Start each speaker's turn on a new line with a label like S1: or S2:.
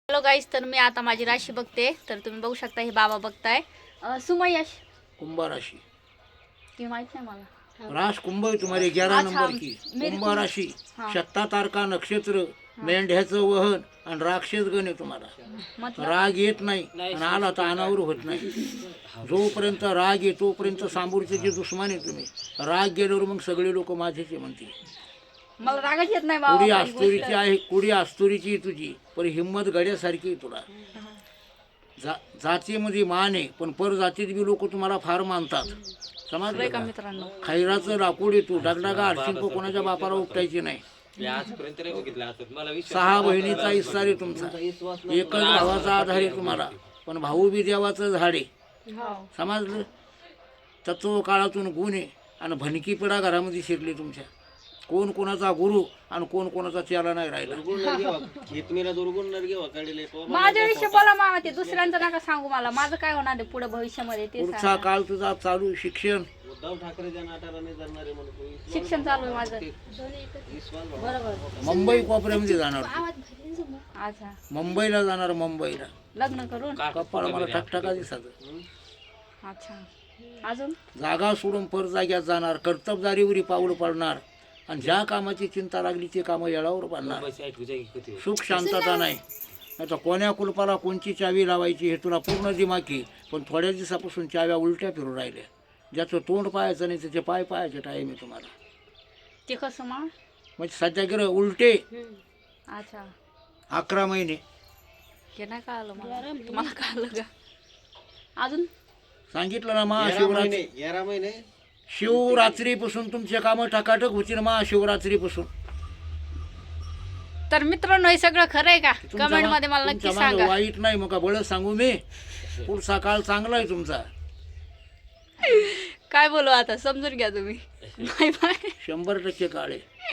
S1: Hello गाईस, तर मी आता माझी राशी बघते. तर तुम्ही बघू शकता, हे बाबा बघताय. सुमयश
S2: कुंभ राशि
S1: की माहित नाही मला.
S2: रास कुंभ है तुम्हारे 11
S1: अच्छा,
S2: नंबर की
S1: मेरी
S2: कुंभ
S1: कुंभ-
S2: राशि
S1: हाँ।
S2: 7 तारका नक्षत्र मेंढ्याचं वहन आणि राक्षस गण आहे तुम्हाला.
S1: मतलब
S2: राग येत नाही आणि आला तर अनावर होत नाही. जोपर्यंत राग आहे तोपर्यंत सांबूरचे जे दुश्मन आहे तुम्ही. राग गेल्यावर मग सगळे लोक माझेचे म्हणतील.
S1: मला रागच येत नाही
S2: कुडी
S1: बाबा.
S2: आस्तुरीची आहे, कुडी आस्तुरीची आहे तुझी, पण हिंमत गड्यासारखी आहे तुला. जातीमध्ये मान आहे, पण पर जातीत बी लोक तुम्हाला फार मानतात. समजलं
S1: का
S2: का?
S1: मित्रांनो,
S2: खैराचं लाकूड येतो, डगडगा हरशील तो कोणाच्या बापाला उपटायची नाही.
S3: मी आजपर्यंत नाही बघितलं असं. मला विश्वास
S2: 6 बहिणीचा इस्सार आहे तुमचा. एकच भावाचा आधार आहे तुम्हाला, पण भाऊ बी देवाचं झाड आहे. समजलं? तत्व काळातून गुण आहे आणि भनकी पिढा घरामध्ये शिरली तुमच्या. कोण कोणाचा गुरु आणि कोण कोणाचा चेला नाही राहिला.
S1: माझ्या विषयी बोला मामा. ते दुसऱ्यांचं नका सांगू मला. माझं काय होणार आहे पुढे भविष्यामध्ये ते
S2: पुढचा
S1: सांगा.
S2: काळ तुझा चालू शिक्षण.
S3: उद्धव ठाकरेच्या नाटाला जाणारे म्हणून
S1: शिक्षण चालू आहे माझं. बरोबर.
S2: मुंबई कोपऱ्यामध्ये जाणार तू.
S1: अच्छा,
S2: मुंबईला जाणार, मुंबईला.
S1: लग्न करून.
S2: कपाळ मला ठकठका दिसत.
S1: अच्छा, अजून
S2: जागा सोडून पर जाग्यात जाणार, कर्तबदारीवरी पाऊल पडणार आणि ज्या कामाची चिंता लागली ते कामं येळावर पडणार. सुख शांतता नाही. आता कोण्या कुलपाला कोणची चावी लावायची हे तुला पूर्ण दिमाकी, पण थोड्या दिवसापासून चाव्या उलट्या फिरून राहिल्या. ज्याचं तोंड पाहायचं नाही त्याचे पाय पाहायचे टाईम आहे तुम्हाला.
S1: ते कसं मा.
S2: म्हणजे सध्या गेलं उलटे.
S1: अच्छा,
S2: 11 महिने.
S1: हे नाही कळालं मला. तुम्हाला कळालं का? अजून
S2: सांगितलं ना महाशिवरात्री.
S3: 11 महिने
S2: शिवरात्रीपासून तुमचे कामं टकाटक होतील. महाशिवरात्रीपासून.
S1: तर मित्रांनो, हे सगळं खरं आहे का? कमेंट मध्ये मला नक्की
S2: तुमच्या मागं
S1: सांगा.
S2: वाईट नाही मग का बळ सांगू मी. पुढचा काळ चांगला आहे तुमचा.
S1: काय बोलू आता, समजून घ्या तुम्ही. Bye bye.
S2: 100% काळ आहे.